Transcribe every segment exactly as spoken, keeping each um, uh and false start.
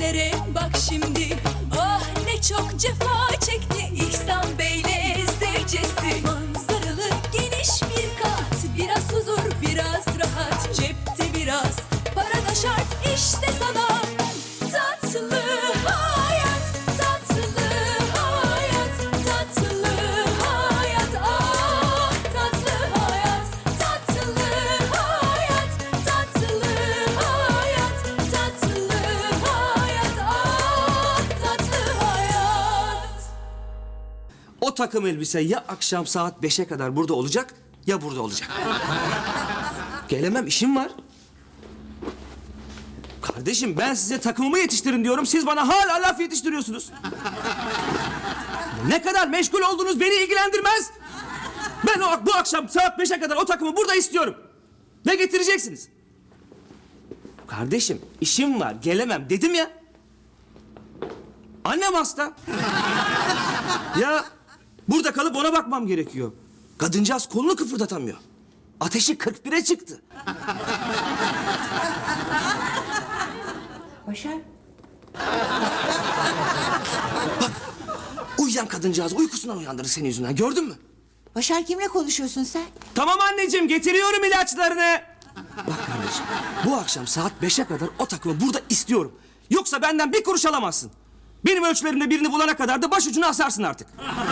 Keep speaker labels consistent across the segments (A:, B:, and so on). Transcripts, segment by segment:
A: ellere bak şimdi. Ah ne çok cefa çekti İhsan Bey'le zevcesi. Manzaralı geniş bir kat, biraz huzur biraz rahat. Cepte biraz para da şart, işte sana tatlı hayat. Tatlı hayat, tatlı hayat. Ah tatlı hayat, tatlı hayat, tatlı hayat, tatlı hayat. Ah tatlı hayat.
B: O takım elbise ya akşam saat beşe kadar burada olacak ya burada olacak. Gelemem, işim var. Kardeşim ben size takımımı yetiştirin diyorum. Siz bana hala laf yetiştiriyorsunuz. Ne kadar meşgul olduğunuz beni ilgilendirmez. Ben o, bu akşam saat beşe kadar o takımı burada istiyorum. Ne getireceksiniz? Kardeşim işim var, gelemem dedim ya. Annem hasta. Ya burada kalıp ona bakmam gerekiyor. Kadıncağız kolunu kıpırdatamıyor. Ateşi kırk bire çıktı.
C: Başar.
B: Uyuyan kadıncağız uykusundan uyandırır senin yüzünden, gördün mü?
C: Başar, kimle konuşuyorsun sen?
B: Tamam anneciğim, getiriyorum ilaçlarını. Bak kardeşim, bu akşam saat beşe kadar o takımı burada istiyorum. Yoksa benden bir kuruş alamazsın. Benim ölçülerimde birini bulana kadar da başucunu asarsın artık.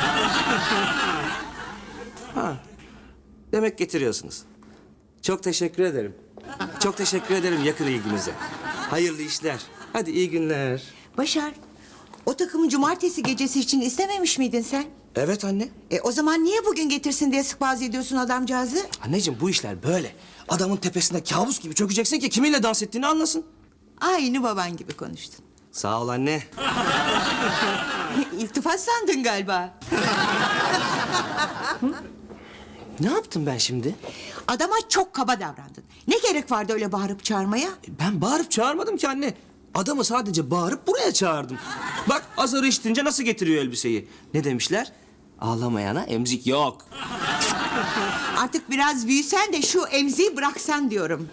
B: Ha, demek getiriyorsunuz. Çok teşekkür ederim. Çok teşekkür ederim yakın ilginize. Hayırlı işler. Hadi iyi günler.
C: Başar, o takımı cumartesi gecesi için istememiş miydin sen?
B: Evet anne.
C: E o zaman niye bugün getirsin diye sıkbaz ediyorsun adamcağızı?
B: Anneciğim bu işler böyle. Adamın tepesinde kabus gibi çökeceksin ki kiminle dans ettiğini anlasın.
C: Aynı baban gibi konuştun.
B: Sağ ol anne.
C: İltifat sandın galiba.
B: Ne yaptım ben şimdi?
C: Adama çok kaba davrandın. Ne gerek vardı öyle bağırıp çağırmaya?
B: Ben bağırıp çağırmadım ki anne. Adamı sadece bağırıp buraya çağırdım. Bak azarı işitince nasıl getiriyor elbiseyi. Ne demişler? Ağlamayana emzik yok.
C: Artık biraz büyüsen de şu emziği bıraksan diyorum.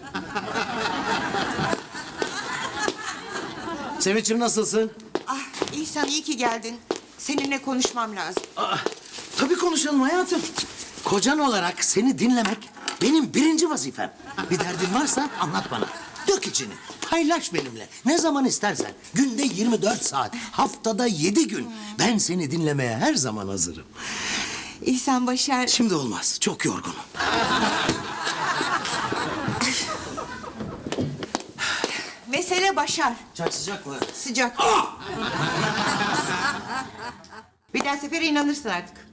D: Sevinç'im nasılsın?
C: Ah İhsan, iyi ki geldin. Seninle konuşmam lazım.
D: Aa, tabii konuşalım hayatım. Kocan olarak seni dinlemek benim birinci vazifem. Bir derdin varsa anlat bana. Dök içini. Paylaş benimle. Ne zaman istersen. Günde yirmi dört saat. Haftada yedi gün. Ben seni dinlemeye her zaman hazırım.
C: İhsan, Başar...
D: Şimdi olmaz. Çok yorgunum.
C: Mesele Başar.
D: Çay sıcak mı?
C: Sıcak. Bir daha sefere inanırsın artık.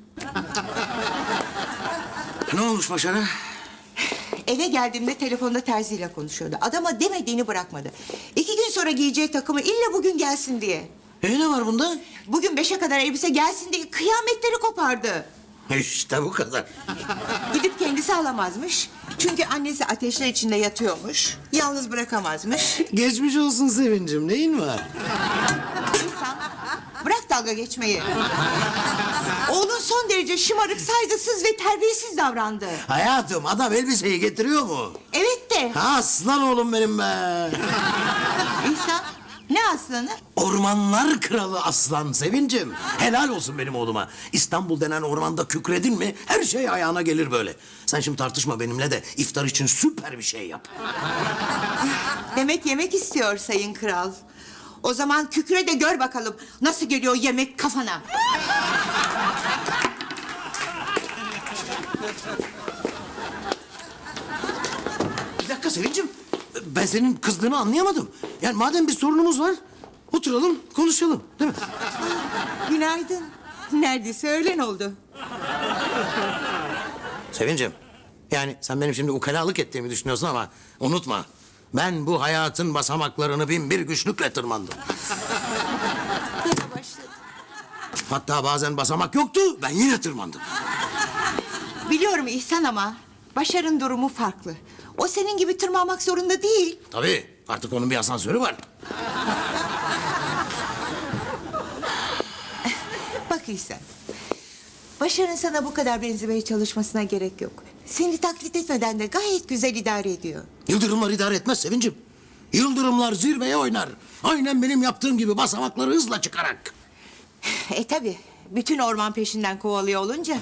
D: Ne olmuş Başar'a?
C: Eve geldiğimde telefonda terziyle konuşuyordu. Adama demediğini bırakmadı. İki gün sonra giyeceği takımı illa bugün gelsin diye.
D: E ne var bunda?
C: Bugün beşe kadar elbise gelsin diye kıyametleri kopardı.
D: İşte bu kadar.
C: Gidip kendisi alamazmış. Çünkü annesi ateşler içinde yatıyormuş. Yalnız bırakamazmış.
D: Geçmiş olsun Sevincim. Neyin var?
C: İnsan, bırak dalga geçmeyi. Oğlun son derece şımarık, saygısız ve terbiyesiz davrandı.
D: Hayatım adam elbiseyi getiriyor mu?
C: Evet de.
D: Ha, aslan oğlum benim be.
C: İhsan, ne aslanı?
D: Ormanlar kralı aslan Sevincim. Helal olsun benim oğluma. İstanbul denen ormanda kükredin mi her şey ayağına gelir böyle. Sen şimdi tartışma benimle de iftar için süper bir şey yap.
C: Demek yemek istiyor sayın kral. O zaman kükre de gör bakalım nasıl geliyor yemek kafana.
D: Bir dakika Sevincim. Ben senin kızdığını anlayamadım. Yani madem bir sorunumuz var oturalım konuşalım değil mi?
C: Günaydın. Neredeyse öğlen oldu.
D: Sevincim. Yani sen benim şimdi ukalalık ettiğimi düşünüyorsun ama unutma. Ben bu hayatın basamaklarını bin bir güçlükle tırmandım.
C: Yine başladı.
D: Hatta bazen basamak yoktu, ben yine tırmandım.
C: Biliyorum İhsan ama Başar'ın durumu farklı. O senin gibi tırmanmak zorunda değil.
D: Tabii, artık onun bir asansörü var.
C: Bak İhsan, Başar'ın sana bu kadar benzemeye çalışmasına gerek yok. Seni taklit etmeden de gayet güzel idare ediyor.
D: Yıldırımlar idare etmez Sevincim. Yıldırımlar zirveye oynar. Aynen benim yaptığım gibi basamakları hızla çıkarak.
C: E tabi. Bütün orman peşinden kovalıyor olunca.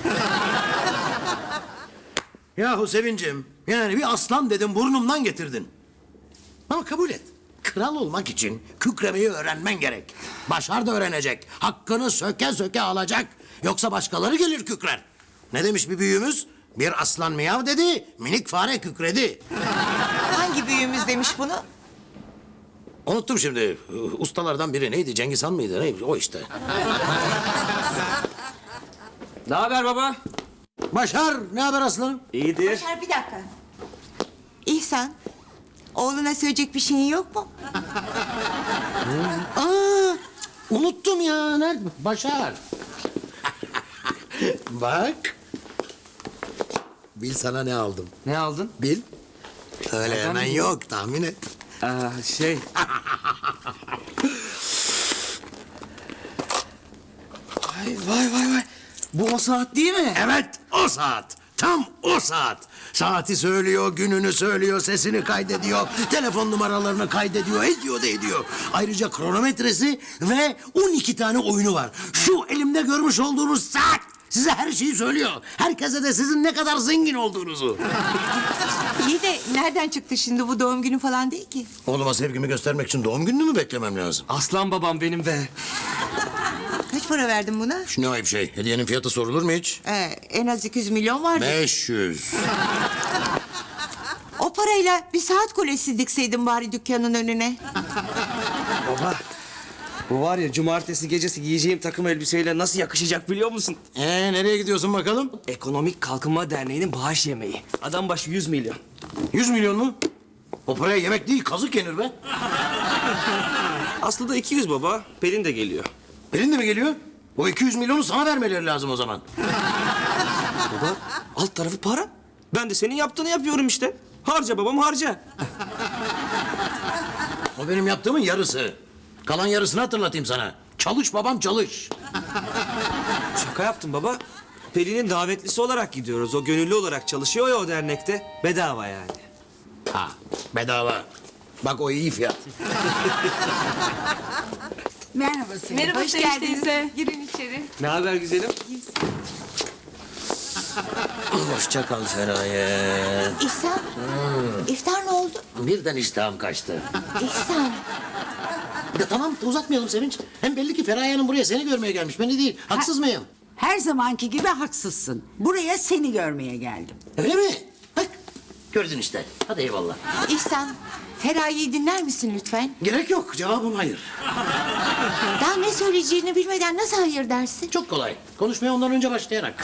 D: Yahu Sevincim, yani bir aslan dedim burnumdan getirdin. Ama kabul et. Kral olmak için kükremeyi öğrenmen gerek. Başar da öğrenecek. Hakkını söke söke alacak. Yoksa başkaları gelir kükrer. Ne demiş bir büyüğümüz? Bir aslan miyav dedi, minik fare kükredi.
C: Hangi büyüğümüz demiş bunu?
D: Unuttum şimdi. Ustalardan biri neydi? Cengiz Han mıydı? Neydi? O işte.
B: Ne haber baba?
D: Başar, ne haber aslanım?
B: İyidir.
C: Başar bir dakika. İhsan, oğluna söyleyecek bir şeyin yok mu?
D: Aa, unuttum ya. Nerede? Başar. Bak. Bil sana ne aldım.
B: Ne aldın?
D: Bil. Öyle
B: Nereden
D: hemen
B: biliyorsun?
D: yok. Tahmin et.
B: Aa, şey. Vay vay vay vay. Bu o saat değil mi?
D: Evet, o saat. Tam o saat. Saati söylüyor, gününü söylüyor, sesini kaydediyor, telefon numaralarını kaydediyor, ediyor da ediyor. Ayrıca kronometresi ve on iki tane oyunu var. Şu elimde görmüş olduğunuz saat size her şeyi söylüyor. Herkese de sizin ne kadar zengin olduğunuzu.
C: İyi de nereden çıktı şimdi bu doğum günü falan değil ki?
D: Oğluma sevgimi göstermek için doğum gününü mü beklemem lazım?
B: Aslan babam benim be.
C: Kaç para verdin buna?
D: Şu ne ayıp şey. Hediyenin fiyatı sorulur mu hiç?
C: Ee, en az iki yüz milyon vardı.
D: Beş yüz.
C: O parayla bir saat kulesi dikseydin bari dükkanın önüne.
B: Baba. Bu var ya cumartesi gecesi giyeceğim takım elbiseyle nasıl yakışacak biliyor musun?
D: Ee, nereye gidiyorsun bakalım?
B: Ekonomik Kalkınma Derneği'nin bağış yemeği. Adam başı yüz milyon.
D: Yüz milyon mu? O paraya yemek değil, kazık yenir be.
B: Aslında iki yüz baba. Pelin de geliyor.
D: Pelin de mi geliyor? O iki yüz milyonu sana vermeleri lazım o zaman.
B: Baba alt tarafı para. Ben de senin yaptığını yapıyorum işte. Harca babam harca.
D: O benim yaptığımın yarısı. Kalan yarısını hatırlatayım sana. Çalış babam çalış.
B: Şaka yaptım baba. Pelin'in davetlisi olarak gidiyoruz. O gönüllü olarak çalışıyor ya o dernekte. Bedava yani.
D: Ha, bedava. Bak o iyi fiyat.
E: Merhaba Selim.
A: Merhaba
C: Hoş
A: Sevinç
C: geldiniz.
A: teyze. Girin içeri.
B: Ne haber güzelim?
D: Hoşça kal Feraye.
C: İhsan, iftar ne oldu?
D: Birden iştahım kaçtı.
C: İhsan,
D: Ya tamam uzatmayalım Sevinç. Hem belli ki Feraye Hanım buraya seni görmeye gelmiş. Beni değil. Haksız mıyım?
E: Her zamanki gibi haksızsın. Buraya seni görmeye geldim.
D: Öyle mi? Bak gördün işte. Hadi eyvallah.
C: İhsan. Feraye'yi dinler misin lütfen?
D: Gerek yok. Cevabım hayır.
C: Daha ne söyleyeceğini bilmeden nasıl hayır dersin?
D: Çok kolay. Konuşmaya ondan önce başlayarak.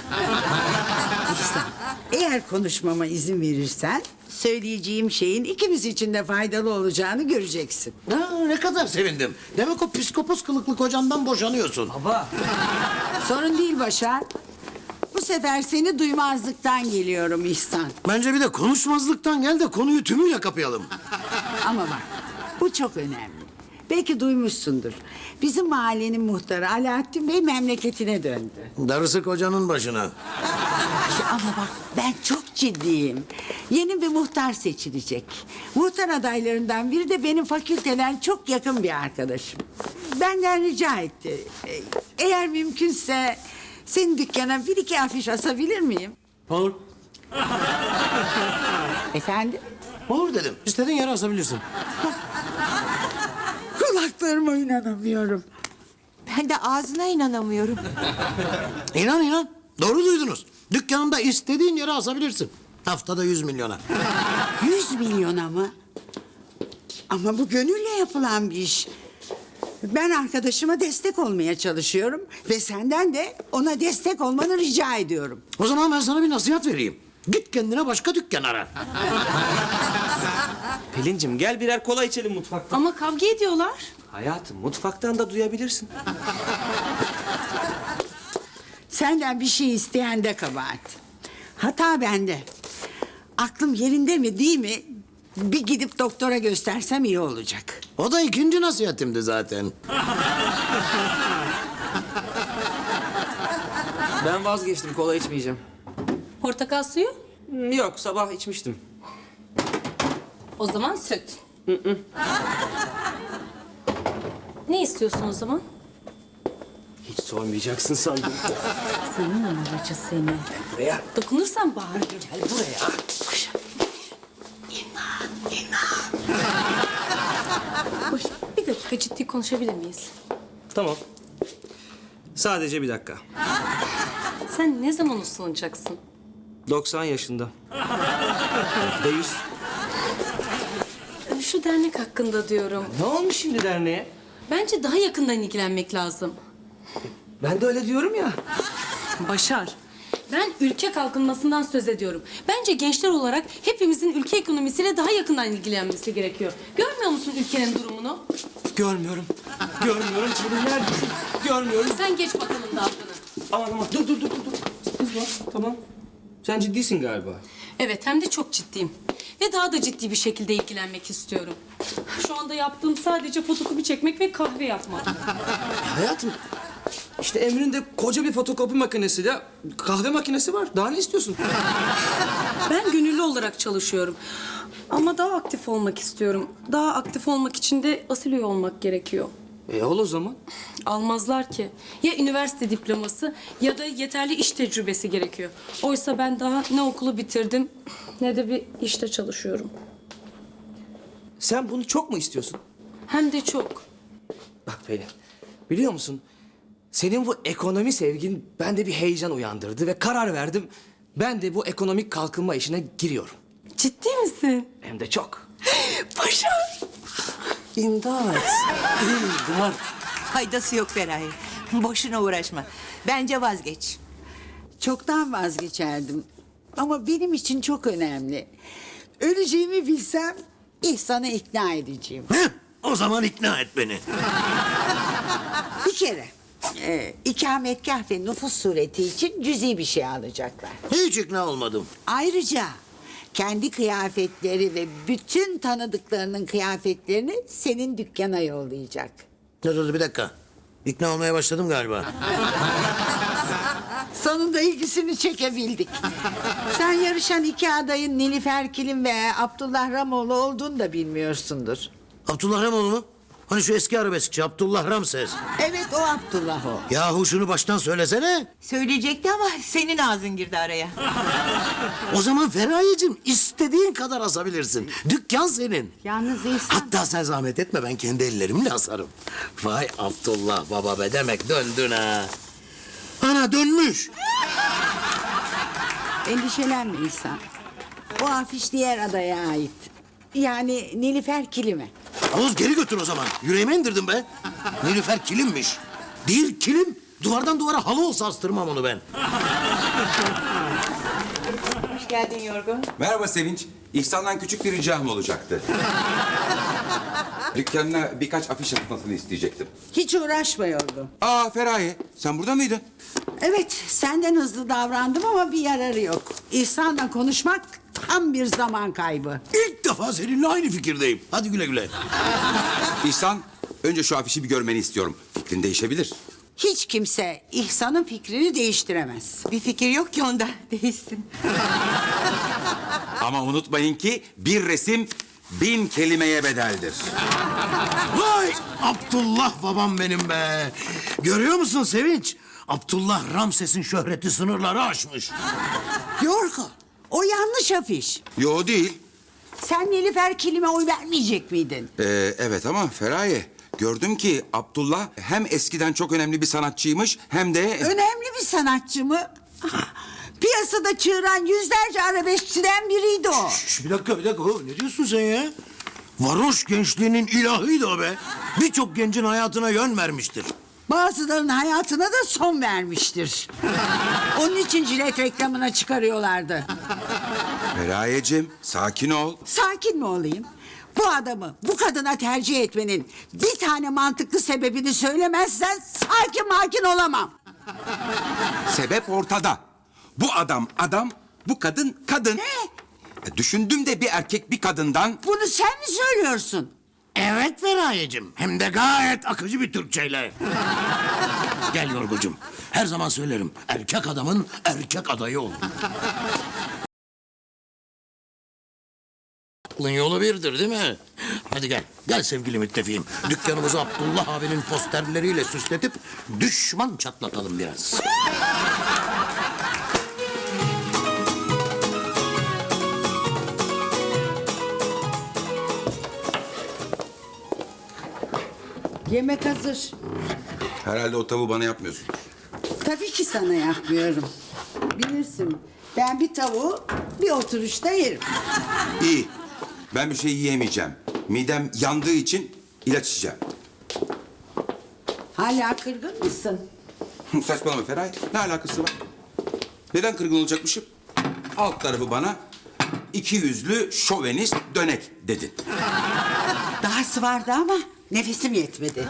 E: Eğer konuşmama izin verirsen söyleyeceğim şeyin ikimiz için de faydalı olacağını göreceksin.
D: Ha, ne kadar sevindim. Demek o psikopos kılıklı kocandan boşanıyorsun.
B: Baba.
E: Sorun değil Başar. Bu sefer seni duymazlıktan geliyorum İhsan.
D: Bence bir de konuşmazlıktan gel de konuyu tümüyle kapayalım.
E: Ama bak bu çok önemli. Belki duymuşsundur. Bizim mahallenin muhtarı Alaaddin Bey memleketine döndü.
D: Darısı kocanın başına.
E: Ay, ama bak ben çok ciddiyim. Yeni bir muhtar seçilecek. Muhtar adaylarından biri de benim fakülteden çok yakın bir arkadaşım. Benden rica etti. E, Eğer mümkünse senin dükkana bir iki afiş asabilir miyim?
D: Olur.
E: Efendim?
D: Olur dedim. İstediğin yere asabilirsin.
E: Kulaklarıma inanamıyorum.
C: Ben de ağzına inanamıyorum.
D: İnan inan. Doğru duydunuz. Dükkanında istediğin yere asabilirsin. Haftada yüz milyona.
E: Yüz milyona mı? Ama bu gönülle yapılan bir iş. Ben arkadaşıma destek olmaya çalışıyorum ve senden de ona destek olmanı rica ediyorum.
D: O zaman ben sana bir nasihat vereyim. Git kendine başka dükkan ara.
B: Pelincim gel birer kola içelim mutfakta.
A: Ama kavga ediyorlar.
B: Hayatım mutfaktan da duyabilirsin.
E: Senden bir şey isteyen de kabahat. Hata bende. Aklım yerinde mi değil mi? Bir gidip doktora göstersem iyi olacak.
D: O da ikinci nasihatimdi zaten.
B: Ben vazgeçtim kola içmeyeceğim.
A: Portakal suyu?
B: Hmm, Yok sabah içmiştim.
A: O zaman süt.
F: Ne istiyorsun o zaman?
B: Hiç sormayacaksın sandım.
F: Senin numaracı seni.
B: Buraya.
F: Dokunursan bağır.
B: Gel buraya.
F: Hoş. Bir dakika ciddi konuşabilir miyiz?
B: Tamam. Sadece bir dakika.
F: Sen ne zaman uslanacaksın?
B: doksan yaşında. Yüzde yüz.
F: Şu dernek hakkında diyorum.
B: Ne olmuş şimdi derneğe?
F: Bence daha yakından ilgilenmek lazım.
B: Ben de öyle diyorum ya.
F: Başar. Ben ülke kalkınmasından söz ediyorum. Bence gençler olarak hepimizin ülke ekonomisiyle daha yakından ilgilenmesi gerekiyor. Görmüyor musun ülkenin durumunu?
B: Görmüyorum. Görmüyorum. Senin neredesin? Görmüyorum.
F: Sen geç bakalım dalgını.
B: Aman aman. Dur dur dur dur. dur. Kızma. Tamam. Sen ciddisin galiba.
F: Evet, hem de çok ciddiyim. Ve daha da ciddi bir şekilde ilgilenmek istiyorum. Şu anda yaptığım sadece fotokopi çekmek ve kahve yapmak.
B: Hayatım. İşte Emre'nin de koca bir fotokopi makinesiyle kahve makinesi var. Daha ne istiyorsun?
F: Ben gönüllü olarak çalışıyorum. Ama daha aktif olmak istiyorum. Daha aktif olmak için de asil üye olmak gerekiyor.
B: E ol o zaman.
F: Almazlar ki. Ya üniversite diploması ya da yeterli iş tecrübesi gerekiyor. Oysa ben daha ne okulu bitirdim ne de bir işte çalışıyorum.
B: Sen bunu çok mu istiyorsun?
F: Hem de çok.
B: Bak Pelin, biliyor musun? Senin bu ekonomi sevgin bende bir heyecan uyandırdı ve karar verdim. Ben de bu ekonomik kalkınma işine giriyorum.
F: Ciddi misin?
B: Hem de çok.
F: Başar.
B: İmdat. İmdat.
C: Faydası yok Feraye. Boşuna uğraşma. Bence vazgeç.
E: Çoktan vazgeçerdim. Ama benim için çok önemli. Öleceğimi bilsem İhsan'ı ikna edeceğim.
D: Heh, o zaman ikna et beni.
E: Bir kere e, ikametgah ve nüfus sureti için cüzi bir şey alacaklar.
D: Hiç ikna olmadım.
E: Ayrıca kendi kıyafetleri ve bütün tanıdıklarının kıyafetlerini senin dükkana yollayacak.
D: Dur dur bir dakika. İkna olmaya başladım galiba.
E: Sonunda ilgisini çekebildik. Sen yarışan iki adayın Nilüfer Kilim ve Abdullah Ramoğlu olduğunu da bilmiyorsundur.
D: Abdullah Ramoğlu mu? Hani şu eski arabeskçi Abdullah Ramses.
E: Evet, o Abdullah o.
D: Yahu şunu baştan söylesene.
C: Söyleyecekti ama senin ağzın girdi araya.
D: O zaman Feraye'cim istediğin kadar asabilirsin. Dükkan senin.
E: Yalnız İhsan...
D: Hatta sen zahmet etme, ben kendi ellerimle asarım. Vay Abdullah baba be, demek döndün ha. Ana dönmüş.
E: Endişelenme İhsan. O afiş diğer adaya ait. Yani Nilüfer Kilim'e.
D: Oğuz geri götür o zaman. Yüreğime indirdim be. Nilüfer kilimmiş. Değil kilim. Duvardan duvara halı olsa astırmam onu ben.
C: Hoş geldin Yorgun.
G: Merhaba Sevinç. İhsan'dan küçük bir ricam olacaktı. Dükkanına birkaç afiş atmasını isteyecektim.
E: Hiç uğraşmıyordu.
G: Aa Feraye, sen burada mıydın?
E: Evet, senden hızlı davrandım ama bir yararı yok. İhsan'la konuşmak tam bir zaman kaybı.
D: İlk defa seninle aynı fikirdeyim. Hadi güle güle.
G: İhsan, önce şu afişi bir görmeni istiyorum. Fikrin değişebilir.
E: Hiç kimse İhsan'ın fikrini değiştiremez.
C: Bir fikir yok ki onda. Değilsin.
G: Ama unutmayın ki bir resim bin kelimeye bedeldir.
D: Vay Abdullah babam benim be. Görüyor musun Sevinç? Abdullah Ramses'in şöhreti sınırları aşmış.
E: Yorgo, o yanlış afiş.
G: Yo değil.
E: Sen Nilüfer Kilim'e oy vermeyecek miydin?
G: Ee, evet ama Feraye, gördüm ki Abdullah hem eskiden çok önemli bir sanatçıymış hem de...
E: Önemli bir sanatçı mı? Piyasada çığıran yüzlerce arabeskçiden biriydi o.
D: Şş, bir dakika bir dakika. Ne diyorsun sen ya? Varoş gençliğinin ilahıydı o be. Birçok gencin hayatına yön vermiştir.
E: Bazılarının hayatına da son vermiştir. Onun için jilet reklamına çıkarıyorlardı.
G: Feraye'cim, sakin ol.
E: Sakin mi olayım? Bu adamı bu kadına tercih etmenin bir tane mantıklı sebebini söylemezsen sakin makin olamam.
G: Sebep ortada. Bu adam adam, bu kadın kadın.
E: Ne?
G: E, Düşündüm de bir erkek bir kadından...
E: Bunu sen mi söylüyorsun?
D: Evet Feraye'cim. Hem de gayet akıcı bir Türkçeyle. Gel Yorgucum. Her zaman söylerim. Erkek adamın erkek adayı ol. Aklın yolu birdir değil mi? Hadi gel. Gel sevgili müttefiğim. Dükkanımızı Abdullah abinin posterleriyle süsletip düşman çatlatalım biraz.
E: Yemek hazır.
G: Herhalde o tavuğu bana yapmıyorsun.
E: Tabii ki sana yapmıyorum. Bilirsin. Ben bir tavuğu bir oturuşta yerim.
G: İyi. Ben bir şey yiyemeyeceğim. Midem yandığı için ilaç içeceğim.
E: Hala kırgın mısın?
G: Saçmalama Feraye. Ne alakası var? Neden kırgın olacakmışım? Alt tarafı bana iki yüzlü şovenist dönek dedin.
E: Dahası vardı ama nefesim yetmedi.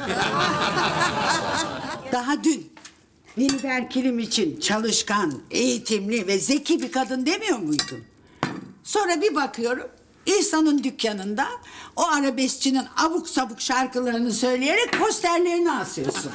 E: Daha dün Nilüfer Kilim için çalışkan, eğitimli ve zeki bir kadın demiyor muydun? Sonra bir bakıyorum İhsan'ın dükkanında o arabeskçinin abuk sabuk şarkılarını söyleyerek posterlerini asıyorsun.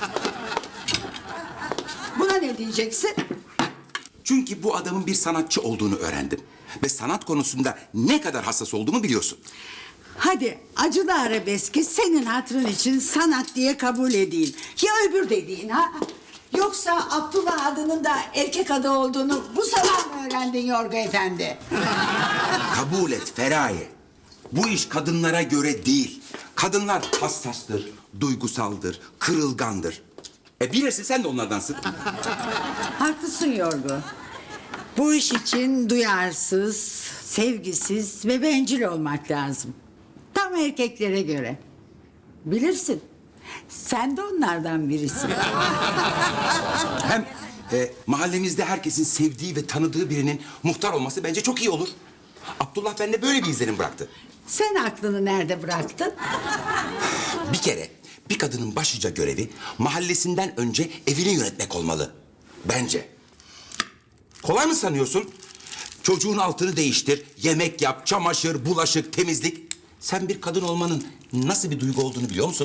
E: Buna ne diyeceksin?
G: Çünkü bu adamın bir sanatçı olduğunu öğrendim. Ve sanat konusunda ne kadar hassas olduğumu biliyorsun.
E: Hadi acılı arabeski senin hatırın için sanat diye kabul edeyim. Ya öbür dediğin ha? Yoksa Abdullah adının da erkek adı olduğunu bu sabah mı öğrendin Yorgo Efendi?
G: Kabul et Feraye. Bu iş kadınlara göre değil. Kadınlar hassastır, duygusaldır, kırılgandır. E bilirsin sen de onlardansın.
E: Haklısın Yorgo. Bu iş için duyarsız, sevgisiz ve bencil olmak lazım. Tam erkeklere göre. Bilirsin. Sen de onlardan birisin.
G: Hem e, mahallemizde herkesin sevdiği ve tanıdığı birinin muhtar olması bence çok iyi olur. Abdullah bende böyle bir izlenim bıraktı.
E: Sen aklını nerede bıraktın?
G: Bir kere bir kadının başlıca görevi mahallesinden önce evini yönetmek olmalı. Bence. Kolay mı sanıyorsun? Çocuğun altını değiştir, yemek yap, çamaşır, bulaşık, temizlik. Sen bir kadın olmanın nasıl bir duygu olduğunu biliyor musun?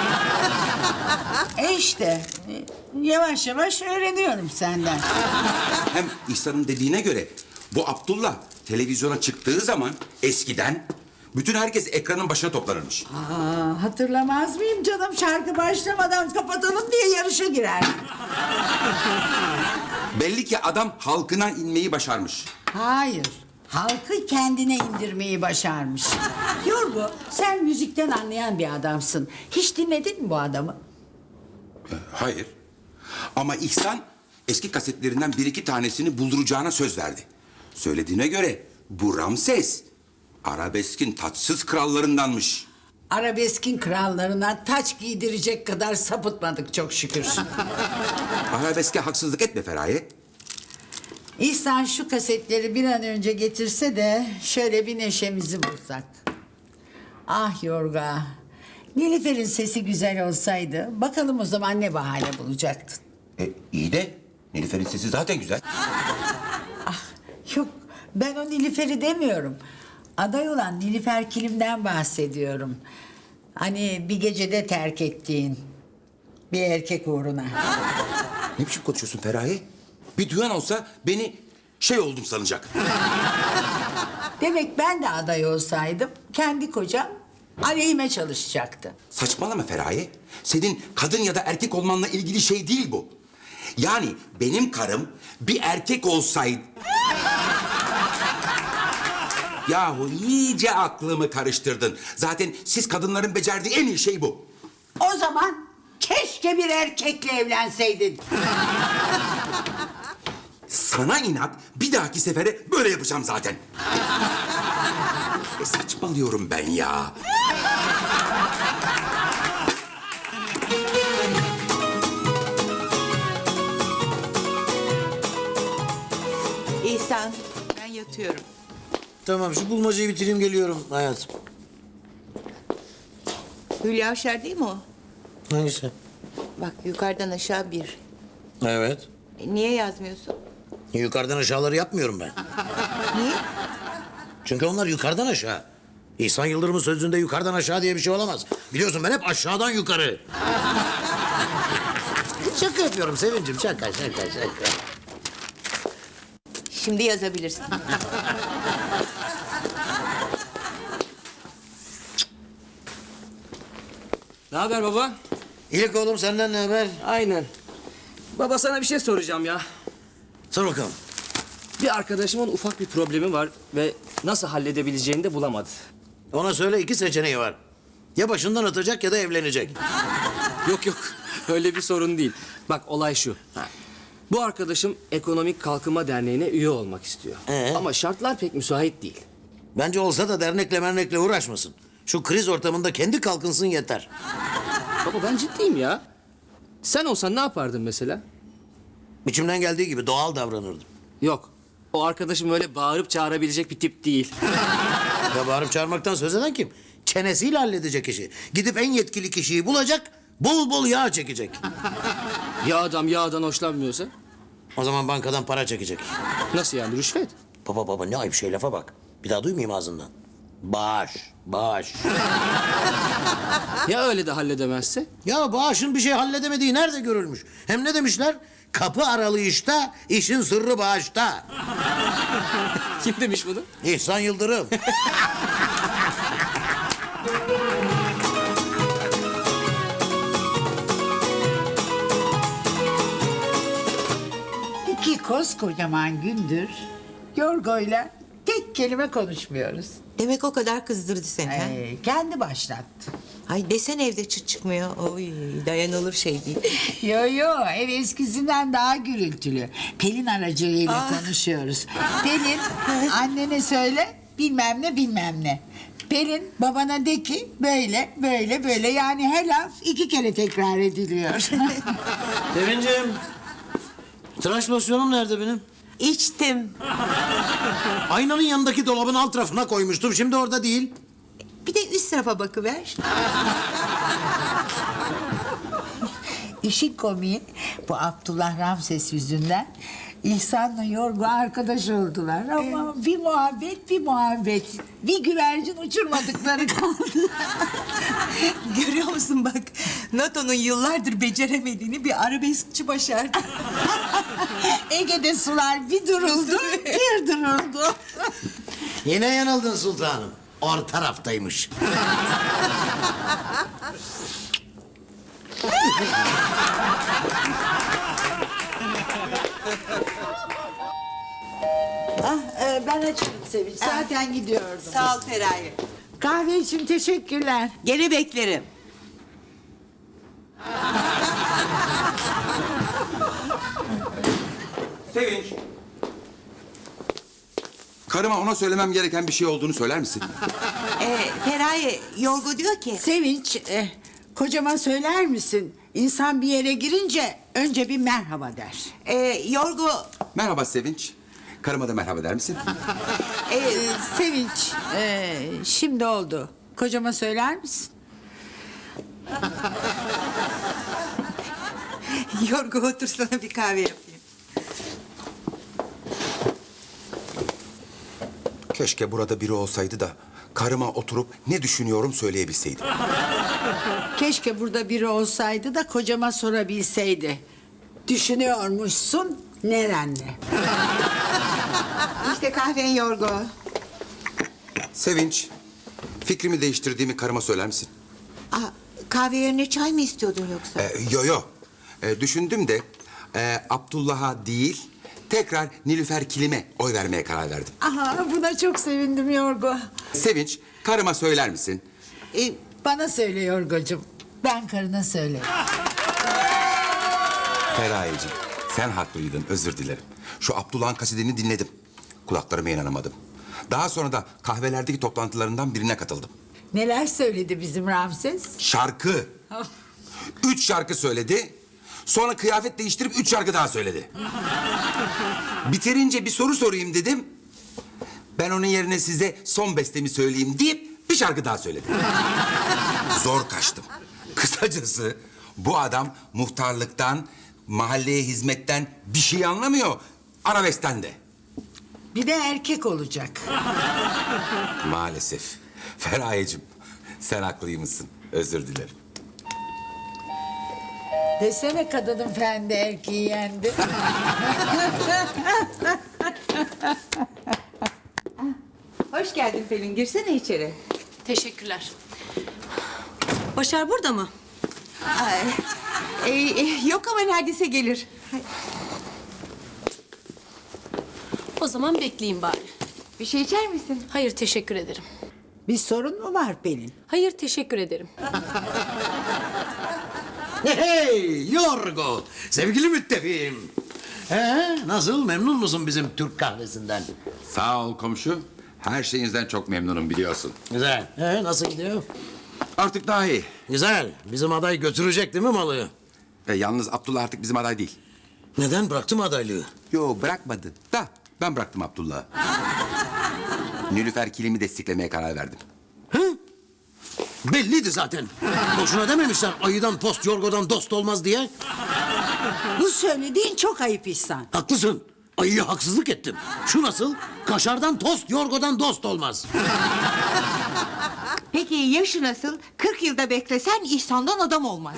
E: E işte yavaş yavaş öğreniyorum senden.
G: Hem İhsan'ın dediğine göre bu Abdullah televizyona çıktığı zaman eskiden bütün herkes ekranın başına toplanırmış.
E: Aa, hatırlamaz mıyım canım? Şarkı başlamadan kapatalım diye yarışa girer.
G: Belli ki adam halkına inmeyi başarmış.
E: Hayır. Halkı kendine indirmeyi başarmış. Yorgo, sen müzikten anlayan bir adamsın. Hiç dinledin mi bu adamı?
G: Hayır. Ama İhsan eski kasetlerinden bir iki tanesini bulduracağına söz verdi. Söylediğine göre bu Ramses arabeskin taçsız krallarındanmış.
E: Arabeskin krallarına taç giydirecek kadar sapıtmadık çok şükür.
G: Arabeske haksızlık etme Feraye.
E: İhsan şu kasetleri bir an önce getirse de şöyle bir neşemizi bulsak. Ah Yorga, Nilüfer'in sesi güzel olsaydı bakalım o zaman ne bahane bulacaktın.
G: E, iyi de Nilüfer'in sesi zaten güzel.
E: Yok, ben o Nilüfer'i demiyorum. Aday olan Nilüfer Kilim'den bahsediyorum. Hani bir gecede terk ettiğin bir erkek uğruna.
G: Ne biçim konuşuyorsun Feraye? Bir duyan olsa beni şey oldum sanacak.
E: Demek ben de aday olsaydım kendi kocam aleyhime çalışacaktı.
G: Saçmalama Feraye. Senin kadın ya da erkek olmanla ilgili şey değil bu. Yani benim karım bir erkek olsaydı... Yahu iyice aklımı karıştırdın. Zaten siz kadınların becerdiği en iyi şey bu.
E: O zaman keşke bir erkekle evlenseydin.
G: Sana inat bir dahaki sefere böyle yapacağım zaten. E, saçmalıyorum ben ya.
C: İhsan, ben yatıyorum.
D: Tamam şu bulmacayı bitireyim geliyorum hayatım.
C: Hülya Avşar değil mi o?
D: Hangisi?
C: Bak yukarıdan aşağı bir.
D: Evet.
C: E, niye yazmıyorsun?
D: Yukarıdan aşağıları yapmıyorum ben.
C: Niye?
D: Çünkü onlar yukarıdan aşağı. İhsan Yıldırım'ın sözünde yukarıdan aşağı diye bir şey olamaz. Biliyorsun ben hep aşağıdan yukarı. Şaka yapıyorum Sevincim. Şaka, şaka, şaka.
C: Şimdi yazabilirsin.
B: Ne haber baba?
D: İyilik oğlum, senden ne haber?
B: Aynen. Baba sana bir şey soracağım ya.
D: Sor bakalım.
B: Bir arkadaşımın ufak bir problemi var ve nasıl halledebileceğini de bulamadı.
D: Ona söyle, iki seçeneği var. Ya başından atacak ya da evlenecek.
B: Yok yok öyle bir sorun değil. Bak olay şu. Bu arkadaşım Ekonomik Kalkınma Derneği'ne üye olmak istiyor.
D: Ee?
B: Ama şartlar pek müsait değil.
D: Bence olsa da dernekle mernekle uğraşmasın. Şu kriz ortamında kendi kalkınsın yeter.
B: Baba ben ciddiyim ya. Sen olsan ne yapardın mesela?
D: İçimden geldiği gibi doğal davranırdım.
B: Yok. O arkadaşım öyle bağırıp çağırabilecek bir tip değil.
D: Ya bağırıp çağırmaktan söz eden kim? Çenesiyle halledecek işi. Gidip en yetkili kişiyi bulacak, bol bol yağ çekecek.
B: Ya adam yağdan hoşlanmıyorsa?
D: O zaman bankadan para çekecek.
B: Nasıl yani rüşvet?
D: Baba baba ne ayıp şey, lafa bak. Bir daha duymayayım ağzından. Bağış, bağış.
B: Ya öyle de halledemezse?
D: Ya bağışın bir şey halledemediği nerede görülmüş? Hem ne demişler? Kapı aralı işte, işin sırrı bağışta.
B: Kim demiş bunu?
D: İhsan Yıldırım.
E: İki koskocaman gündür Yorgo'yla tek kelime konuşmuyoruz.
C: Demek o kadar kızdırdı seni ha?
E: Ee, kendi başlattı.
C: Ay desen evde çıt çıkmıyor. Oy dayanılır şey değil.
E: Yo yo ev eskisinden daha gürültülü. Pelin aracılığıyla konuşuyoruz. Pelin annene söyle bilmem ne bilmem ne. Pelin babana de ki böyle böyle böyle yani her laf iki kere tekrar ediliyor.
D: Sevincim. Tıraş losyonum nerede benim?
C: İçtim.
D: Aynanın yanındaki dolabın alt rafına koymuştum. Şimdi orada değil.
C: Bir de üst tarafa bakıver.
E: İşin komiği bu Abdullah Ramses yüzünden İhsan'la Yorgo arkadaş oldular ama bir muhabbet bir muhabbet. Bir güvercin uçurmadıkları kaldı.
C: Görüyor musun bak? NATO'nun yıllardır beceremediğini bir arabeskçi başardı.
E: Ege'de sular bir duruldu, bir duruldu.
D: Yine yanıldın sultanım. Orta taraftaymış.
E: Ah, e, ben açım Sevinç. Zaten gidiyordum.
C: Sağ ol Feraye.
E: Kahve için teşekkürler.
C: Gene beklerim.
G: Sevinç. Karıma ona söylemem gereken bir şey olduğunu söyler misin?
C: Ee, Feraye Yorgo diyor ki...
E: Sevinç, e, kocama söyler misin? İnsan bir yere girince önce bir merhaba der.
C: E, Yorgo...
G: Merhaba Sevinç. Karıma da merhaba der misin?
C: E,
E: Ee, Sevinç, e, şimdi oldu. Kocama söyler misin?
C: Yorgo otursana bir kahve yapayım.
G: Keşke burada biri olsaydı da karıma oturup ne düşünüyorum söyleyebilseydim.
E: Keşke burada biri olsaydı da kocama sorabilseydi. Düşünüyormuşsun nerenle?
C: İşte kahven Yorgo.
G: Sevinç, fikrimi değiştirdiğimi karıma söyler misin?
C: Aa, kahve yerine çay mı istiyordun yoksa?
G: Ee, yo yo. Ee, düşündüm de e, Abdullah'a değil tekrar Nilüfer Kilim'e oy vermeye karar verdim.
E: Aha, buna çok sevindim Yorgo.
G: Sevinç, karıma söyler misin?
C: E,
E: Bana söyle Yorgocuğum. Ben karına söylerim.
G: Feraye'cim, sen haklıydın, özür dilerim. Şu Abdullah'ın kasidini dinledim. Kulaklarıma inanamadım. Daha sonra da kahvelerdeki toplantılarından birine katıldım.
E: Neler söyledi bizim Ramses?
G: Şarkı. Üç şarkı söyledi. Sonra kıyafet değiştirip üç şarkı daha söyledi. Bitirince bir soru sorayım dedim. Ben onun yerine size son bestemi söyleyeyim deyip bir şarkı daha söyledi. Zor kaçtım. Kısacası bu adam muhtarlıktan, mahalleye hizmetten bir şey anlamıyor. Arabeskten de.
E: Bir de erkek olacak.
G: Maalesef. Feraye'cim sen haklıymışsın. Özür dilerim.
E: Desene kadının fendi erkeği yendi.
C: hoş geldin Pelin. Girsene içeri.
F: Teşekkürler. Başar burada mı?
C: Ay, e, e, yok ama neredeyse gelir.
F: O zaman bekleyin bari.
C: Bir şey içer misin?
F: Hayır teşekkür ederim.
E: Bir sorun mu var Pelin?
F: Hayır teşekkür ederim.
D: Hey Yorgo, sevgili müttefiğim. Ee, nasıl, memnun musun bizim Türk kahvesinden?
G: Sağ ol komşu. Her şeyinizden çok memnunum biliyorsun.
D: Güzel. Ee, nasıl gidiyor?
G: Artık daha iyi.
D: Güzel. Bizim aday götürecek değil mi malı?
G: E, yalnız Abdullah artık bizim aday değil.
D: Neden bıraktı mı adaylığı?
G: Yo bırakmadı da ben bıraktım Abdullah'ı. Nilüfer Kilim'i desteklemeye karar verdim.
D: Hı? Belliydi zaten. Boşuna dememişler ayıdan post, yorgodan dost olmaz diye.
E: Bu söylediğin çok ayıp İhsan.
D: Haklısın. Ayıya haksızlık ettim. Şu nasıl? Kaşardan tost, yorgodan dost olmaz.
C: Peki yaşı nasıl? kırk yılda beklesen İhsan'dan adam olmaz.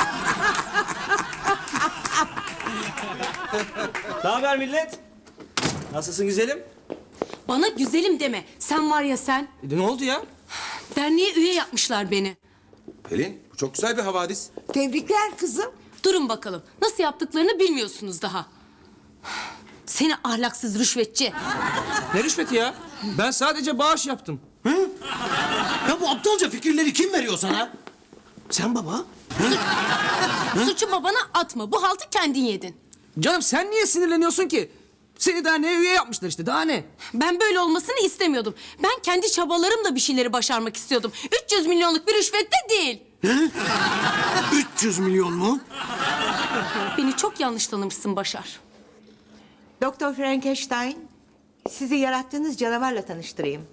B: Ne haber millet? Nasılsın güzelim?
F: Bana güzelim deme. Sen var ya sen.
B: E, ne oldu ya?
F: Derneğe üye yapmışlar beni.
G: Pelin bu çok güzel bir havadis.
E: Tebrikler kızım.
F: Durun bakalım. Nasıl yaptıklarını bilmiyorsunuz daha. Seni ahlaksız rüşvetçi.
B: Ne rüşveti ya? Ben sadece bağış yaptım.
D: Ya bu aptalca fikirleri kim veriyor sana? Sen baba.
F: Suçu babana atma. Bu haltı kendin yedin.
B: Canım sen niye sinirleniyorsun ki? Seni derneğe üye yapmışlar işte daha ne?
F: Ben böyle olmasını istemiyordum. Ben kendi çabalarımla bir şeyleri başarmak istiyordum. üç yüz milyonluk bir rüşvet de değil.
D: üç yüz milyon mu?
F: Beni çok yanlış tanımışsın Başar.
C: Doktor Frankenstein, sizi yarattığınız canavarla tanıştırayım.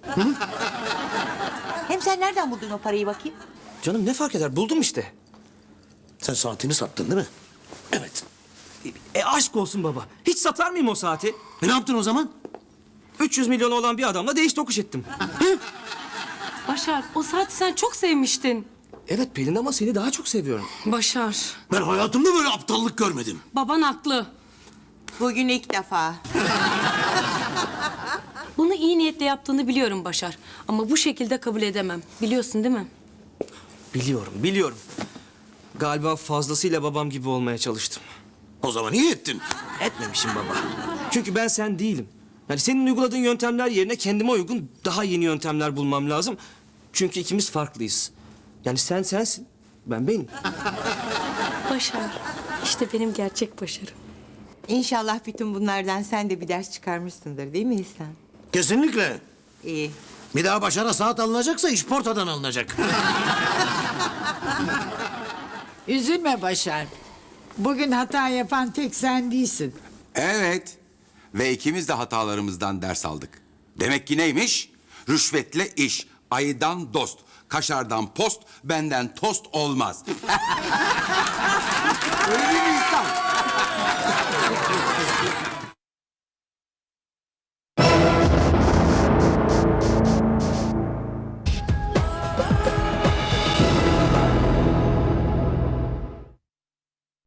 C: Hem sen nereden buldun o parayı bakayım?
B: Canım ne fark eder buldum işte.
D: Sen saatini sattın değil mi? Evet.
B: E aşk olsun baba. Hiç satar mıyım o saati?
D: E ne yaptın o zaman?
B: üç yüz milyonu olan bir adamla değiş tokuş ettim.
F: Başar, o saati sen çok sevmiştin.
B: Evet Pelin ama seni daha çok seviyorum.
F: Başar,
D: Ben hayatımda böyle aptallık görmedim.
F: baban haklı.
C: Bugün ilk defa.
F: Bunu iyi niyetle yaptığını biliyorum Başar. Ama bu şekilde kabul edemem. Biliyorsun değil mi?
B: Biliyorum, biliyorum. Galiba fazlasıyla babam gibi olmaya çalıştım.
D: O zaman iyi ettin.
B: Etmemişim baba. Çünkü ben sen değilim. Yani senin uyguladığın yöntemler yerine kendime uygun daha yeni yöntemler bulmam lazım. Çünkü ikimiz farklıyız. Yani sen sensin, ben benim.
F: Başar, işte benim gerçek başarım.
C: İnşallah bütün bunlardan sen de bir ders çıkarmışsındır değil mi İhsan?
D: Kesinlikle.
C: İyi.
D: Bir daha Başar'a saat alınacaksa iş portadan alınacak.
E: Üzülme Başar. Bugün hata yapan tek sen değilsin.
G: Evet. Ve ikimiz de hatalarımızdan ders aldık. Demek ki neymiş? Rüşvetle iş, ayıdan dost, kaşardan post, benden tost olmaz.
B: Öyle değil mi İhsan?